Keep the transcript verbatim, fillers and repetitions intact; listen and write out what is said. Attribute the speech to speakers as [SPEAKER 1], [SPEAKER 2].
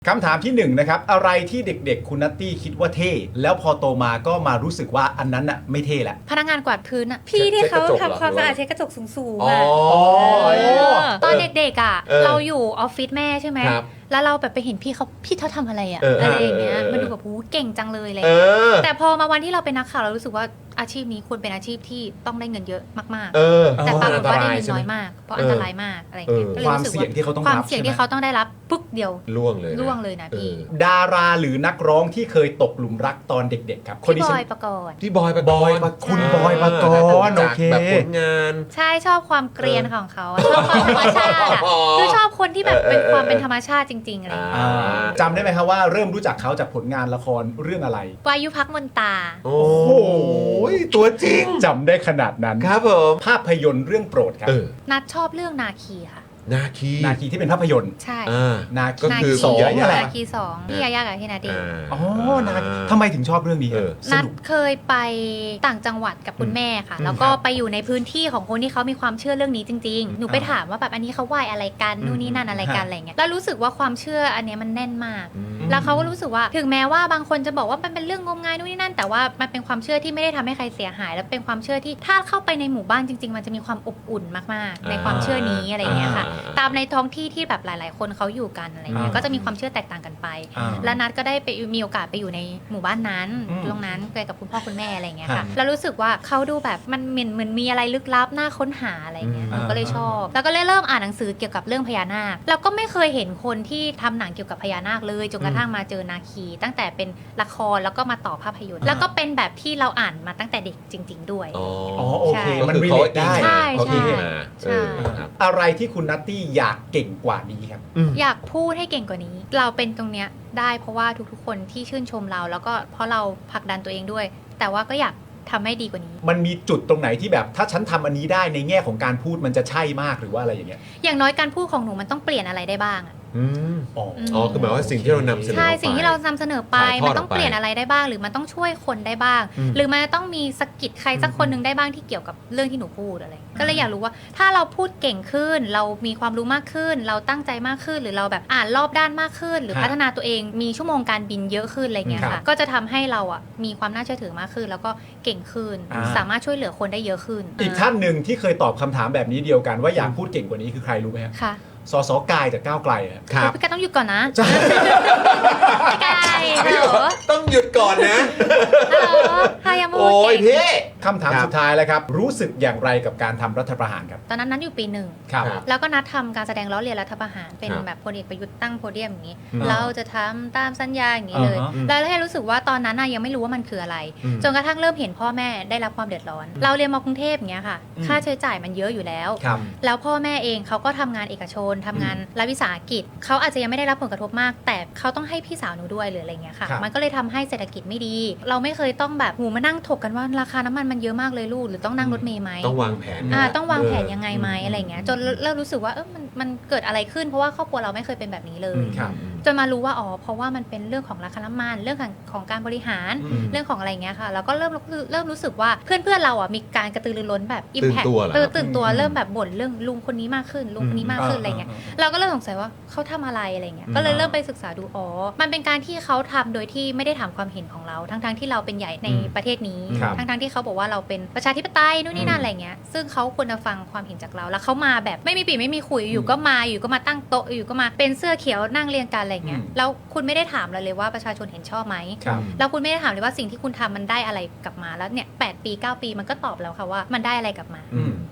[SPEAKER 1] คำถามที่หนึ่งนะครับอะไรที่เด็กๆคุณนัตตี้คิดว่าเท่แล้วพอโตมาก็มารู้สึกว่าอันนั้นน่ะไม่เท่แหละ
[SPEAKER 2] พนักงานกวาดพื้นอะพี่ที่เขาทำความสะอาดเช็ดกระจกสูงๆอะตอนเด็กๆอะเราอยู่ออฟฟิศแม่ใช่ไหมแล้วเราแบบไปเห็นพี่เขาพี่เขาทำอะไรอะอะไรอย่างเงี้ยมันดูแบบโหเก่งจังเลยอะไรแต่พอมาวันที่เราเป็นนักข่าวเรารู้สึกว่าอาชีพนี้ควรเป็นอาชีพที่ต้องได้เงินเยอะมากๆแต่ปรากฏว่าได้เงินน้อยมากเพราะอันตรายมากอะไรอย่างเงี้ย
[SPEAKER 1] ความเสี่ยงที่เขาต้อง
[SPEAKER 2] ความเสี่ยงที่เขาต้องได้รับปึ๊กเดียว
[SPEAKER 3] ล่วงเลย
[SPEAKER 2] ล่วงเลยนะพี่
[SPEAKER 1] ดาราหรือนักร้องที่เคยตกหลุมรักตอนเด็กๆครับ
[SPEAKER 2] พี่บอยปกรณ์
[SPEAKER 3] พี่บอยปกรณ์
[SPEAKER 1] คุณบอยปกรณ์โอเค
[SPEAKER 3] แบบผลงาน
[SPEAKER 2] ใช่ชอบความเกรียนของเขาชอบความธรรมชาติคือชอบคนที่แบบเป็นความเป็นธรรมชาติจริงๆอะไรอย่างเงี้ย
[SPEAKER 1] จำได้ไหมครับว่าเริ่มรู้จักเขาจากผลงานละครเรื่องอะไร
[SPEAKER 2] วายุพักมนตา
[SPEAKER 3] โอ้โหตัวจริง
[SPEAKER 1] จำได้ขนาดนั้น
[SPEAKER 3] ครับผม
[SPEAKER 1] ภาพยนตร์เรื่องโปรดครับ
[SPEAKER 2] นัดชอบเรื่องนาคีค่ะ
[SPEAKER 3] นาคี
[SPEAKER 1] นาคีที่เป็นภาพยนตร์
[SPEAKER 2] ใช่
[SPEAKER 1] นาคี
[SPEAKER 3] ก็คือ
[SPEAKER 1] สอง
[SPEAKER 3] อะไร
[SPEAKER 2] นาคีสองพี่ยายากับพี่นาดี
[SPEAKER 1] อ๋อนาคีทำไมถึงชอบเรื่องนี้
[SPEAKER 2] นัดเคยไปต่างจังหวัดกับคุณแม่ค่ะแล้วก็ไปอยู่ในพื้นที่ของคนที่เขามีความเชื่อเรื่องนี้จริงๆหนูไปถามว่าแบบอันนี้เขาไหว้อะไรกันนู่นนี่นั่นอะไรกันอะไรเงี้ยแล้วรู้สึกว่าความเชื่ออันนี้มันแน่นมากแล้วเขาก็รู้สึกว่าถึงแม้ว่าบางคนจะบอกว่ามันเป็นเรื่องงมงายนู่นนี่นั่นแต่ว่ามันเป็นความเชื่อที่ไม่ได้ทำให้ใครเสียหายแล้วเป็นความเชื่อที่ถ้าเข้าไปในหมู่บ้านจริงๆมันจะมีความอบอุ่นมากๆในความเชื่อนี้อะไรเงี้ยค่ะตามในท้องที่ที่แบบหลายๆคนเขาอยู่กันอะไรเงี้ยก็จะมีความเชื่อแตกต่างกันไปและนัดก็ได้ไปมีโอกาสไปอยู่ในหมู่บ้านนั้นตรงนั้นไปกับคุณพ่อคุณแม่อะไรเงี้ยค่ะแล้วรู้สึกว่าเขาดูแบบมันเหมือนเหมือนมีอะไรลึกลับน่าค้นหาอะไรเงี้ยก็เลยชอบแล้วก็เลยเริ่มอ่านหนังสือเกี่ยวกับเรื่องพญานาคแล้วก็ไม่เคยเห็นคนที่ทำหนังเกี่ยวกับพญานาคเลยจนกระทั่งมาเจอนาคีตั้งแต่เป็นละครแล้วก็มาต่อภาพยนตร์แล้วก็เป็นแบบที่เราอ่านมาตั้งแต่เด็กจริงๆด้วย
[SPEAKER 1] อ๋อโอเคมันรีเลทได้
[SPEAKER 2] ใช่ใช่ใช่
[SPEAKER 1] อะไรที่คุณนัตตี้อยากเก่งกว่านี้ครับ
[SPEAKER 2] อยากพูดให้เก่งกว่านี้เราเป็นตรงเนี้ยได้เพราะว่าทุกๆคนที่ชื่นชมเราแล้วก็เพราะเราผลักดันตัวเองด้วยแต่ว่าก็อยากทำให้ดีกว่านี้
[SPEAKER 1] มันมีจุดตรงไหนที่แบบถ้าฉันทำอันนี้ได้ในแง่ของการพูดมันจะใช่มากหรือว่าอะไรอย่างเงี้ย
[SPEAKER 2] อย่างน้อยการพูดของหนูมันต้องเปลี่ยนอะไรได้บ้างอะ
[SPEAKER 3] อืมอ๋อคือหมายว่าสิ่งที่เรานำเสนอ
[SPEAKER 2] ใช่สิ่งที่เรานำเสนอไปมันต้องเปลี่ยนอะไรได้บ้างหรือมันต้องช่วยคนได้บ้างหรือมันต้องมีสกิดใครสักคนนึงได้บ้างที่เกี่ยวกับเรื่องที่หนูพูดอะไรก็เลยอยากรู้ว่าถ้าเราพูดเก่งขึ้นเรามีความรู้มากขึ้นเราตั้งใจมากขึ้นหรือเราแบบอ่านรอบด้านมากขึ้นหรือพัฒนาตัวเองมีชั่วโมงการบินเยอะขึ้นอะไรเงี้ยค่ะก็จะทำให้เราอ่ะมีความน่าเชื่อถือมากขึ้นแล้วก็เก่งขึ้นสามารถช่วยเหลือคนได้เยอะขึ้น
[SPEAKER 1] อีกท่านหนึ่งที่เคยตอบคำถามแบบนี้เดียวกันว่าอยากพูดเก่งกว่านี้คือใครรู้ไหม
[SPEAKER 2] คะ
[SPEAKER 1] สสกายจากก้าวไกล
[SPEAKER 2] ครับพี่กายต้องหยุดก่อนนะพี่กาย
[SPEAKER 3] ต้องหยุดก่อนนะ
[SPEAKER 2] ฮัลโหลฮายามู
[SPEAKER 3] โอ้ยพี่
[SPEAKER 1] คำถามสุดท้ายแล้วครับรู้สึกอย่างไรกับการทำรัฐประหารครับ
[SPEAKER 2] ตอนนั้นนัดอยู่ปีหนึ่งแล้วก็นัดทำการแสดงล้อเลียนรัฐประหารเป็นแบบพลเอกประยุทธ์ตั้งโพเดียมอย่างนี้เราจะทำตามสัญญาอย่างนี้เลยแล้วให้รู้สึกว่าตอนนั้นยังไม่รู้ว่ามันคืออะไรจนกระทั่งเริ่มเห็นพ่อแม่ได้รับความเดือดร้อนเราเรียนมากรุงเทพอย่างเงี้ยค่ะค่าใช้จ่ายมันเยอะอยู่แล้วแล้วพ่อแม่เองเขาก็ทำงานเอกชนทำงานรัฐวิสาหกิจเขาอาจจะยังไม่ได้รับผลกระทบมากแต่เขาต้องให้พี่สาวหนูด้วยหรืออะไรเงี้ยค่ะมันก็เลยทำให้เศรษฐกิจไม่ดีเราไม่เคยต้องแบบหูมานั่งถกกันว่าราคาน้ำมันมันเยอะมากเลยลูกหรือต้องนั่งรถเมล์ไหม
[SPEAKER 3] ต้องวางแผน
[SPEAKER 2] อ่าต้องวางแผนยังไงไหมอะไรเงี้ยจนเริ่มรู้สึกว่าเออมันมันเกิดอะไรขึ้นเพราะว่าครอบครัวเราไม่เคยเป็นแบบนี้เลยจนมารู้ว่าอ๋อเพราะว่ามันเป็นเรื่องของราคาน้ำมันเรื่องของของการบริหารเรื่องของอะไรเงี้ยค่ะแล้วก็เริ่มเริ่มรู้สึกว่าเพื่อนเพื่อนเราอ่ะมีการกระตือรือร้นแบบอิมแพคตื่นตัวเริ่มแบบบ่นเรื่องลุงคนนี้มากขึ้นลุงคนนี้มากขึ้นอะไรเงี้ยเราก็เริ่มสงสัยว่าเขาทำอะไรอะไรเงี้ยก็เลยเริ่มไปศึกษาดูอ๋อมันเป็นการที่เขาทำโดยที่ไม่ได้ถามความเห็นของเราทั้งๆที่เราเป็นใหญ่ในประเทศนี้ทั้งๆที่เขาบอกว่าเราเป็นประชาธิปไตยนู่นนี่นั่นอะไรเงี้ยซึ่งเขาควรจะฟังความเห็นจากเราแล้วเขามาแบบไม่มีปีไม่มีคุยอยู่ก็มาอยู่ก็มาตั้งโต๊ะอยู่ก็มาเป็นเสื้อเขียวนั่งเรียงกันอะไรเงี้ยแล้วคุณไม่ได้ถามเราเลยว่าประชาชนเห็นชอบไหมแล้วคุณไม่ได้ถามเลยว่าสิ่งที่คุณทำมันได้อะไรกลับมาแล้วเนี่ยแปดปีเก้าปีมันก็ตอบแล้วค่ะว่ามันได้อะไรกลับมา